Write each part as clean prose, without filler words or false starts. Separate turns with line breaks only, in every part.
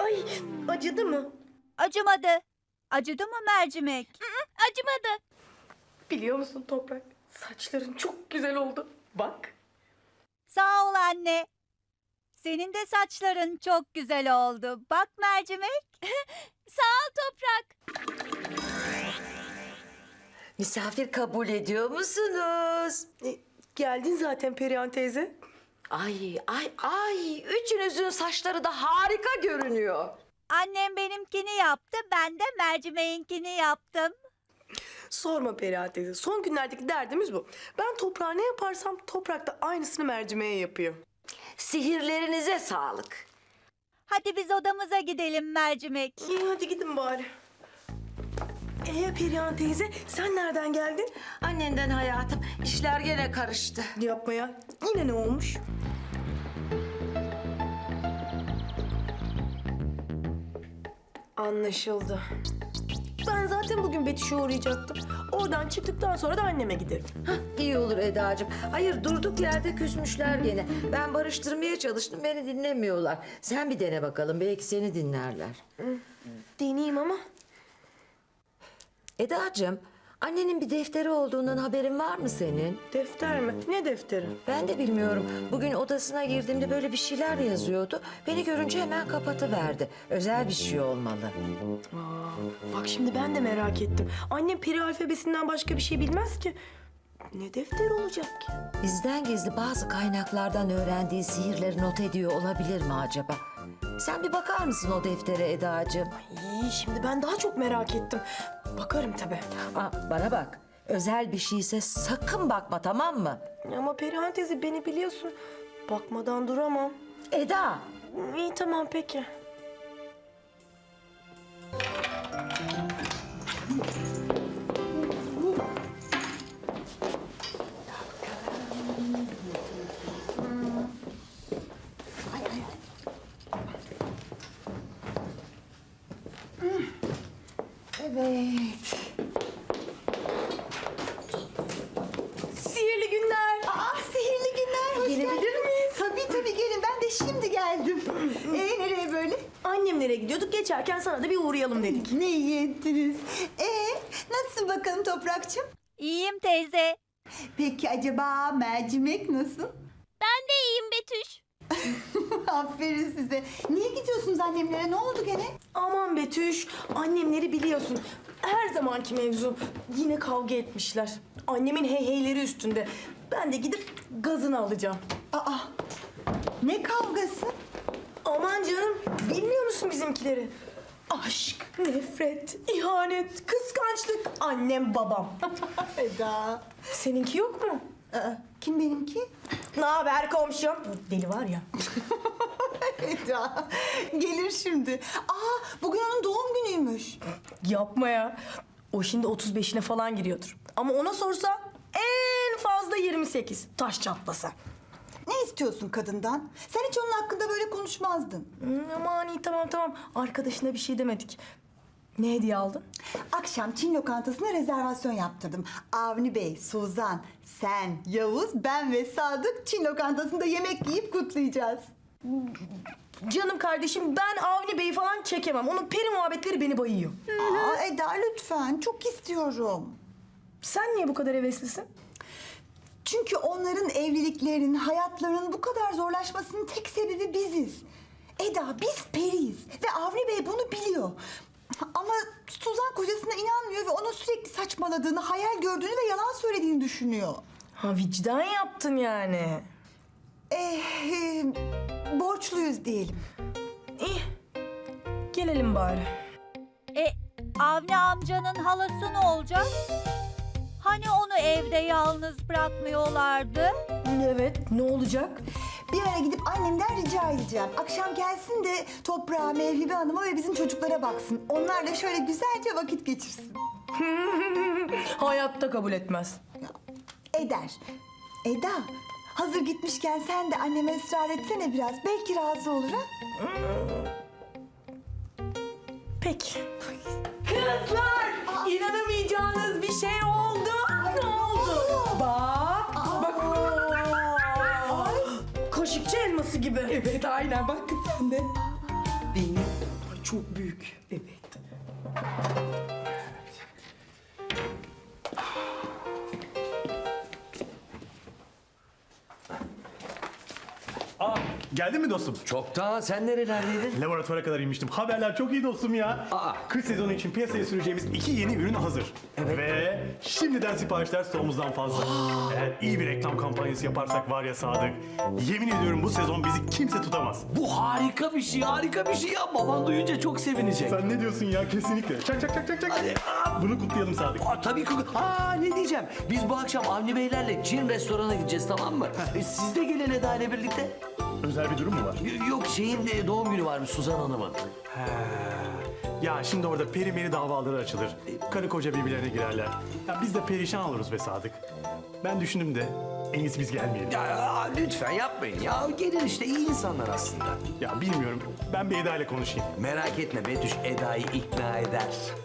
Ay, acıdı mı?
Acımadı. Acıdı mı mercimek?
Acımadı.
Biliyor musun Toprak? Saçların çok güzel oldu. Bak.
Sağ ol anne. Senin de saçların çok güzel oldu. Bak mercimek.
Sağ ol Toprak.
Misafir kabul ediyor musunuz?
Geldin zaten Perihan teyze.
Ay. Üçünüzün saçları da harika görünüyor.
Annem benimkini yaptı. Ben de mercimeğinkini yaptım.
Sorma Perihan teyze. Son günlerdeki derdimiz bu. Ben toprağa ne yaparsam Toprak da aynısını mercimeğe yapıyor.
Sihirlerinize sağlık.
Hadi biz odamıza gidelim mercimek.
İyi hadi gidin bari. Perihan teyze sen nereden geldin?
Annenden hayatım, işler gene karıştı.
Yapma ya. Yine ne olmuş? Anlaşıldı. Ben zaten bugün Betüş'e uğrayacaktım. Oradan çıktıktan sonra da anneme giderim.
İyi olur Edacığım. Hayır, durduk yerde küsmüşler gene. Ben barıştırmaya çalıştım, beni dinlemiyorlar. Sen bir dene bakalım, belki seni dinlerler.
Deneyeyim ama.
Edacığım, annenin bir defteri olduğundan haberin var mı senin?
Defter mi? Ne defteri?
Ben de bilmiyorum. Bugün odasına girdiğimde böyle bir şeyler yazıyordu. Beni görünce hemen kapatıverdi. Özel bir şey olmalı.
Bak şimdi ben de merak ettim. Annem peri alfabesinden başka bir şey bilmez ki. Ne defteri olacak ki?
Bizden gizli bazı kaynaklardan öğrendiği sihirleri not ediyor olabilir mi acaba? Sen bir bakar mısın o deftere Edacığım?
İyi şimdi ben daha çok merak ettim. Bakarım tabii.
Bana bak. Özel bir şeyse sakın bakma, tamam mı?
Ama Perihan teyze beni biliyorsun. Bakmadan duramam.
Eda!
İyi tamam peki.
Evet.
Sihirli günler.
Sihirli günler, hoş
Gelebilir
geldiniz.
miyiz?
Tabii gelin, ben de şimdi geldim. Nereye böyle?
Annemlere gidiyorduk. Geçerken sana da bir uğrayalım dedik.
Ne iyi ettiniz. Nasılsın bakalım Toprakçığım?
İyiyim teyze.
Peki acaba mercimek nasıl?
Ben de iyiyim Betüş.
Aferin size. Niye gidiyorsunuz annemlere, ne oldu gene?
Aman Betüş. Annemleri biliyorsun. Her zamanki mevzu. Yine kavga etmişler. Annemin heyheyleri üstünde. Ben de gidip gazını alacağım.
Ne kavgası?
Aman canım. Bilmiyor musun bizimkileri? Aşk, nefret, ihanet, kıskançlık. Annem babam.
Eda.
Seninki yok mu?
Kim benimki?
Ne haber komşum? Deli var ya.
Eda. Gelir şimdi. Bugün onun doğum günüymüş.
Yapma ya. O şimdi 35'ine falan giriyordur. Ama ona sorsa en fazla 28. Taş çatlasa.
Ne istiyorsun kadından? Sen hiç onun hakkında böyle konuşmazdın.
Aman iyi tamam. Arkadaşına bir şey demedik. Ne hediye aldın?
Akşam Çin lokantasına rezervasyon yaptırdım. Avni Bey, Suzan, sen, Yavuz, ben ve Sadık Çin lokantasında yemek yiyip kutlayacağız.
Canım kardeşim ben Avni Bey'i falan çekemem. Onun peri muhabbetleri beni bayıyor.
Eda lütfen, çok istiyorum.
Sen niye bu kadar heveslisin?
Çünkü onların evliliklerinin, hayatlarının bu kadar zorlaşmasının tek sebebi biziz. Eda, biz periyiz ve Avni Bey bunu biliyor. Ama Suzan kocasına inanmıyor ve onun sürekli saçmaladığını, hayal gördüğünü ve yalan söylediğini düşünüyor.
Ha vicdan yaptın yani.
Borçluyuz diyelim.
İyi. Gelelim bari.
Avni amcanın halası ne olacak? Hani onu evde yalnız bırakmıyorlardı?
Evet ne olacak?
Bir ara gidip annemden rica edeceğim. Akşam gelsin de Toprağa, Mevhibe Hanım'a ve bizim çocuklara baksın. Onlar da şöyle güzelce vakit geçirsin.
Hayatta kabul etmez.
Eder. Eda, hazır gitmişken sen de anneme ısrar etsene biraz. Belki razı olur ha?
Peki. Kızlar! İnanamayacağınız bir şey oldu. Ne oldu? Bak. Kaşıkçı elması gibi. Evet aynen bak sen de.
Benim
çok büyük. Evet.
Aa, geldin mi dostum?
Çoktan sen nerelerdeydin?
Laboratuvara kadar inmiştim. Haberler çok iyi dostum ya.
Aa.
Kış sezonu için piyasaya süreceğimiz 2 yeni ürün hazır.
Evet.
Ve şimdiden siparişler stoğumuzdan fazla. Eğer iyi bir reklam kampanyası yaparsak var ya Sadık, yemin ediyorum bu sezon bizi kimse tutamaz.
Bu harika bir şey, harika bir şey ya. Baban duyunca çok sevinecek.
Sen ne diyorsun ya? Kesinlikle. Çak çak çak çak çak.
Hadi.
Bunu kutlayalım Sadık.
Tabii ki. Ne diyeceğim? Biz bu akşam Avni Beylerle Çin restorana gideceğiz, tamam mı? Siz de gelin Eda ile birlikte.
Özel bir durum mu var?
Yok, şeyin de doğum günü varmış, Suzan Hanım'ın.
Ya şimdi orada peri meri davaları açılır. Karı koca birbirlerine girerler. Ya biz de perişan oluruz be Sadık. Ben düşündüm de en iyisi biz gelmeyelim.
Ya lütfen yapmayın ya. Gelin işte, iyi insanlar aslında.
Ya bilmiyorum. Ben bir Eda ile konuşayım.
Merak etme Betüş, Eda'yı ikna eder.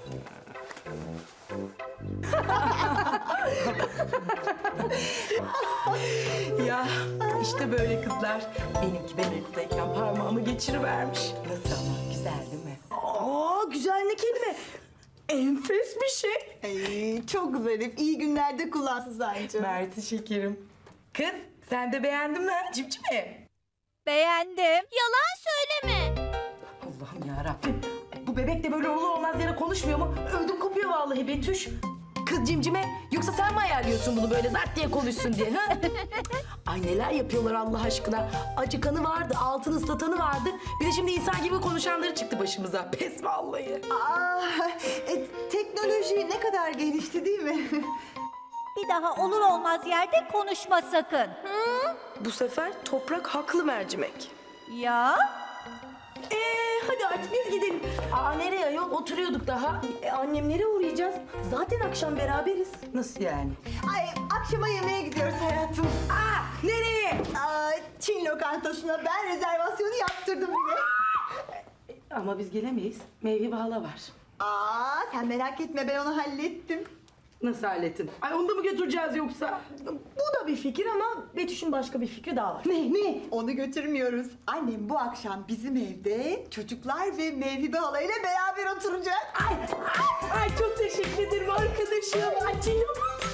Ya işte böyle kızlar. Benimki ben okuldayken parmağımı geçirivermiş. Nasıl ama güzel değil mi? Aa güzel ne kelime. Enfes bir şey.
Ay, çok zarif. İyi günlerde kullan Suzancığım.
Mersi şekerim. Kız sen de beğendin mi? Cimcime.
Beğendim.
Yalan söyleme.
Allah'ım yarabbim. Bu bebek de böyle olur olmaz yere konuşmuyor mu? Ödüm kopuyor vallahi Betüş. Kız cimcime yoksa sen mi ayarlıyorsun bunu böyle zart diye konuşsun diye ha? Ay neler yapıyorlar Allah aşkına. Acıkanı vardı, altını ıslatanı vardı. Bir de şimdi insan gibi konuşanları çıktı başımıza. Pes vallahi.
Teknoloji ne kadar gelişti değil mi?
Bir daha olur olmaz yerde konuşma sakın.
Bu sefer toprak haklı mercimek.
Ya?
Hadi artık biz gidelim. Aa nereye ayol? Oturuyorduk daha. Annemlere uğrayacağız. Zaten akşam beraberiz. Nasıl yani?
Ay, akşama yemeğe gidiyoruz hayatım.
Nereye?
Çin lokantasına ben rezervasyonu yaptırdım bile.
Ama biz gelemeyiz. Meyve hala var.
Sen merak etme, ben onu hallettim.
Nasıl hallettin? Ay onu da mı götüreceğiz yoksa? Bu da bir fikir ama Betüş'ün başka bir fikri daha var. Ne?
Onu götürmüyoruz. Annem bu akşam bizim evde çocuklar ve Mevhibe halayla beraber oturacak.
Ay çok teşekkür ederim arkadaşım. Ay Çin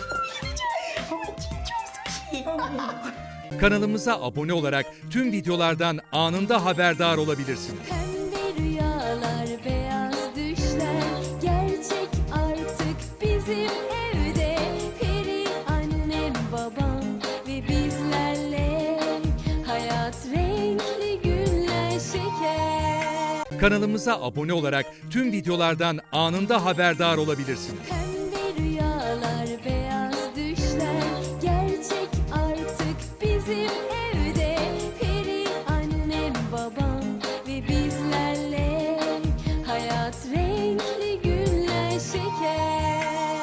Kanalımıza abone olarak tüm videolardan anında haberdar olabilirsiniz.
Pembe rüyalar, beyaz düşler gerçek artık bizim evde. Peri annem, babam ve bizlerle hayat renkli günler şeker.
Kanalımıza abone olarak tüm videolardan anında haberdar olabilirsiniz.
Pembe rüyalar, beyaz düşler gerçek artık bizim evde.